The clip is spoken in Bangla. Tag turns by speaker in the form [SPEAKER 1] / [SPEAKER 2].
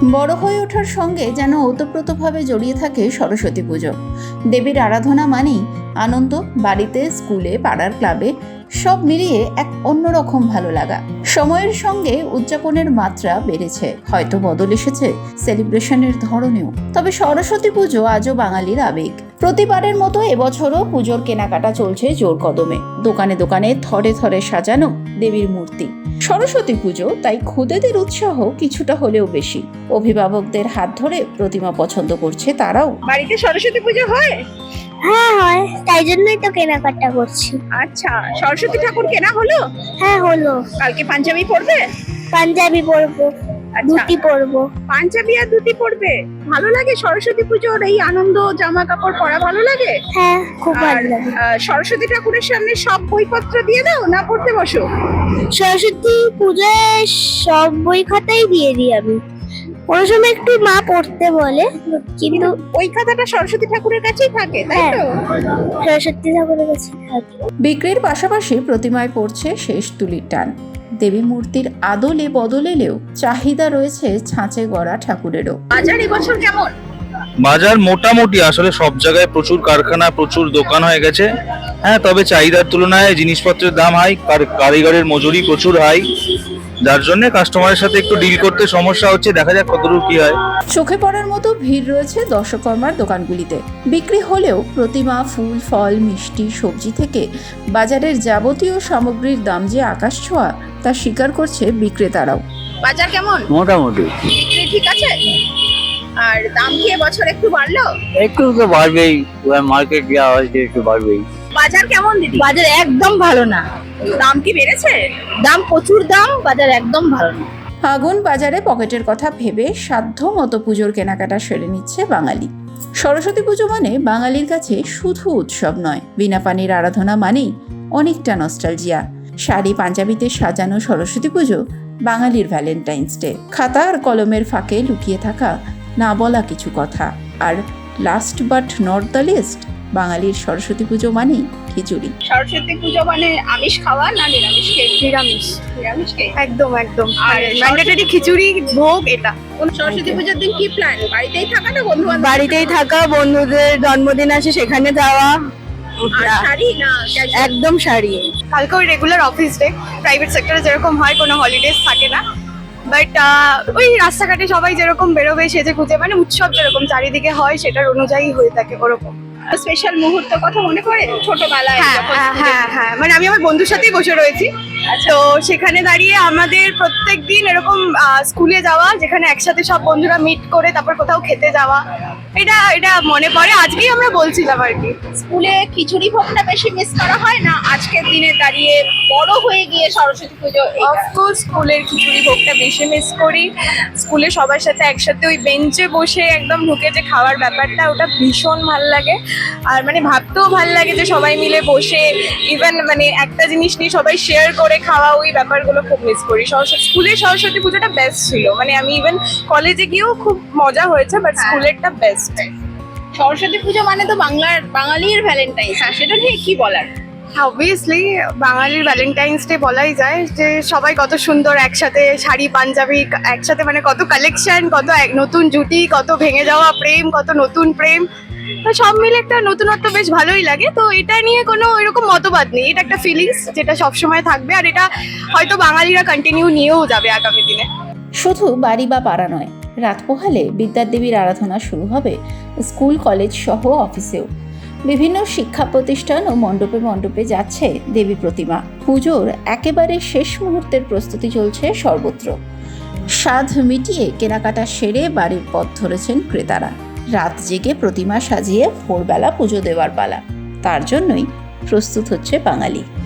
[SPEAKER 1] বড় হয়ে ওঠার সঙ্গে যেন ওতপ্রোতভাবে জড়িয়ে থাকে সরস্বতী পুজো। দেবীর আরাধনা মানেই আনন্দ, বাড়িতে, স্কুলে, পাড়ার ক্লাবে সব মিলিয়ে এক অন্যরকম ভালো লাগা। সময়ের সঙ্গে উদযাপনের মাত্রা বেড়েছে, হয়তো বদল এসেছে সেলিব্রেশনের ধরনেও, তবে সরস্বতী পুজো আজও বাঙালির আবেগ। প্রতিবারের মতো এবছরও পুজোর কেনাকাটা চলছে জোর কদমে। দোকানে দোকানে থরে থরে সাজানো দেবীর মূর্তি। সরস্বতী পুজো তাই খুদেদের উৎসাহ কিছুটা হলেও বেশি। অভিভাবকদের হাত ধরে প্রতিমা পছন্দ করছে তারাও।
[SPEAKER 2] বাড়িতে সরস্বতী পুজো হয়?
[SPEAKER 3] হ্যাঁ হয়, তাই জন্যই তো কেনাকাটা করছি।
[SPEAKER 2] আচ্ছা, সরস্বতী ঠাকুর কেনা হলো?
[SPEAKER 3] হ্যাঁ হলো।
[SPEAKER 2] কালকে পাঞ্জাবি পরবে?
[SPEAKER 3] পাঞ্জাবি পরবো, ধুতি পরবো।
[SPEAKER 2] পাঞ্জাবি আর ধুতি পরবে? ভালো লাগে সরস্বতী পুজোর এই আনন্দ, জামা কাপড় পরা ভালো লাগে?
[SPEAKER 3] হ্যাঁ, খুব ভালো লাগে।
[SPEAKER 2] সরস্বতী ঠাকুরের সামনে সব বইপত্র দিয়ে দাও না পড়তে বসো?
[SPEAKER 3] সরস্বতী পুজোয় সব বই খাতাই দিয়ে দিই আমি। কোনো সময় একটু মা পড়তে বলে, কিন্তু
[SPEAKER 2] ওই খাতাটা সরস্বতী ঠাকুরের কাছেই থাকে, তাই তো?
[SPEAKER 3] সরস্বতী ঠাকুরের কাছে থাকে।
[SPEAKER 1] বিক্রির পাশাপাশি প্রতিমায় পড়ছে শেষ তুলির টান। দেবী মূর্তির আদলে বদলেলেও চাহিদা রয়েছে ছাঁচে গড়া ঠাকুরেরও।
[SPEAKER 2] বাজার এবছর কেমন?
[SPEAKER 4] বাজার মোটামুটি, আসলে সব জায়গায় প্রচুর কারখানা, প্রচুর দোকান হয়ে গেছে। হ্যাঁ, তবে চাহিদার তুলনায় জিনিসপত্রের দাম হাই, কারিগরের মজুরি প্রচুর হাই, যার জন্য কাস্টমারের সাথে একটু ডিল করতে সমস্যা হচ্ছে। দেখা যাক কতদূর কি হয়।
[SPEAKER 1] চোখে পড়ার মতো ভিড় রয়েছে দর্শকর্মার দোকানগুলিতে। বিক্রি হলেও প্রতিমা, ফুল, ফল, মিষ্টি, সবজি থেকে বাজারের যাবতীয় সামগ্রীর দাম যে আকাশ ছোঁয়া তা স্বীকার করছে বিক্রেতারাও।
[SPEAKER 2] বাজার কেমন?
[SPEAKER 5] মোটামুটি
[SPEAKER 2] বিক্রি ঠিক আছে? আর দাম কি এবছর একটু বাড়লো?
[SPEAKER 5] একটু তো বাড়বেই, মার্কেট যা হয়েছে একটু বাড়বেই।
[SPEAKER 2] বাজার কেমন দিদি?
[SPEAKER 6] বাজার একদম ভালো না।
[SPEAKER 2] দাম কি বেড়েছে?
[SPEAKER 6] দাম প্রচুর দাম, বাজার একদম ভালো না।
[SPEAKER 1] আগুন বাজারে পকেটের কথা ভেবে সাধ্য মতো পুজোর কেনাকাটা সেরে নিচ্ছে বাঙালি। সরস্বতী পুজো মানে বাঙালির কাছে শুধু উৎসব নয়, বিনা পানির আরাধনা মানেই অনেকটা নস্টালজিয়া। শাড়ি পাঞ্জাবিতে সাজানো সরস্বতী পুজো বাঙালির ভ্যালেন্টাইন্স ডে। খাতা আর কলমের ফাঁকে লুকিয়ে থাকা না বলা কিছু কথা। আর last but not the least, বাঙালির সরস্বতী পুজো মানেই খিচুড়ি।
[SPEAKER 2] সরস্বতী পুজো মানে আমিষ খাওয়া না নিরামিষ?
[SPEAKER 6] নিরামিষ
[SPEAKER 2] নিরামিষ
[SPEAKER 6] একদম একদম।
[SPEAKER 2] আর
[SPEAKER 6] ম্যান্ডেটরি খিচুড়ি ভোগ এটা।
[SPEAKER 2] সরস্বতী পুজোর দিন কি প্ল্যান? বাড়িতেই থাকা না বন্ধু বান্ধব?
[SPEAKER 6] বাড়িতেই থাকা, বন্ধুদের জন্মদিন আছে সেখানে যাওয়া।
[SPEAKER 2] শাড়ি না casual?
[SPEAKER 6] একদম শাড়ি। কালকে ওই রেগুলার অফিস ডে, প্রাইভেট সেক্টরে যেরকম হয় কোনো হলিডেজ থাকে না, বাট ওই রাস্তাঘাটে সবাই যেরকম বেরোবে সেজে খুঁজে, মানে উৎসব যেরকম চারিদিকে হয় সেটার অনুযায়ী হয়ে থাকে ওরকম।
[SPEAKER 2] স্পেশাল মুহূর্ত কথা মনে পড়ে ছোটবেলায়?
[SPEAKER 6] হ্যাঁ
[SPEAKER 2] যখন
[SPEAKER 6] হ্যাঁ হ্যাঁ, মানে আমি আমার বন্ধুর সাথেই বসে রয়েছি, তো সেখানে দাঁড়িয়ে আমাদের প্রত্যেক দিন এরকম স্কুলে যাওয়া, যেখানে একসাথে সব বন্ধুরা মিট করে তারপর কোথাও খেতে যাওয়া, এটা এটা মনে পড়ে। আজকেই আমরা বলছিলাম আর কি,
[SPEAKER 2] স্কুলে খিচুড়ি ভোগটা বেশি মিস করা হয় না আজকের দিনে দাঁড়িয়ে বড় হয়ে গিয়ে সরস্বতী পুজো?
[SPEAKER 6] অফকোর্স স্কুলের খিচুড়ি ভোগটা বেশি মিস করি। স্কুলে সবার সাথে একসাথে ওই বেঞ্চে বসে একদম ঢুকে যে খাওয়ার ব্যাপারটা, ওটা ভীষণ ভাল লাগে। আর মানে ভাবতেও ভাল লাগে যে সবাই মিলে বসে ইভেন মানে একটা জিনিস নিয়ে সবাই শেয়ার করে খাওয়া, ওই ব্যাপারগুলো খুব মিস করি। স্কুলের সরস্বতী পুজোটা বেস্ট ছিল, মানে আমি ইভেন কলেজে গিয়েও খুব মজা হয়েছে, বাট স্কুলেরটা বেস্ট।
[SPEAKER 2] সরস্বতী পুজো মানে তো বাঙালির ভ্যালেন্টাইন্স, সেটা নিয়ে কি বলার?
[SPEAKER 6] অবভিয়াসলি বাঙালির ভ্যালেন্টাইন্স ডে বলাই যায়, যে সবাই কত সুন্দর একসাথে শাড়ি পাঞ্জাবি একসাথে, মানে কত কালেকশন, কত নতুন জুটি, কত ভেঙে যাওয়া প্রেম, কত নতুন প্রেম, তো সব মিলে একটা নতুনত্ব বেশ ভালোই লাগে। তো এটা নিয়ে কোনো এরকম মতবাদ নেই, এটা একটা ফিলিংস যেটা সবসময় থাকবে, আর এটা হয়তো বাঙালিরা কন্টিনিউ নিয়েও যাবে আগামী দিনে।
[SPEAKER 1] শুধু বাড়ি বা পাড়া নয়, রাত পোহালে বিদ্যার দেবীর আরাধনা শুরু হবে স্কুল, কলেজ সহ অফিসেও। বিভিন্ন শিক্ষা প্রতিষ্ঠান ও মণ্ডপে মণ্ডপে যাচ্ছে দেবী প্রতিমা। পুজোর একেবারে শেষ মুহূর্তের প্রস্তুতি চলছে সর্বত্র। সাধ মিটিয়ে কেনাকাটা সেরে বাড়ির পথ ধরেছেন ক্রেতারা। রাত জেগে প্রতিমা সাজিয়ে ভোরবেলা পুজো দেওয়ার পালা, তার জন্যই প্রস্তুত হচ্ছে বাঙালি।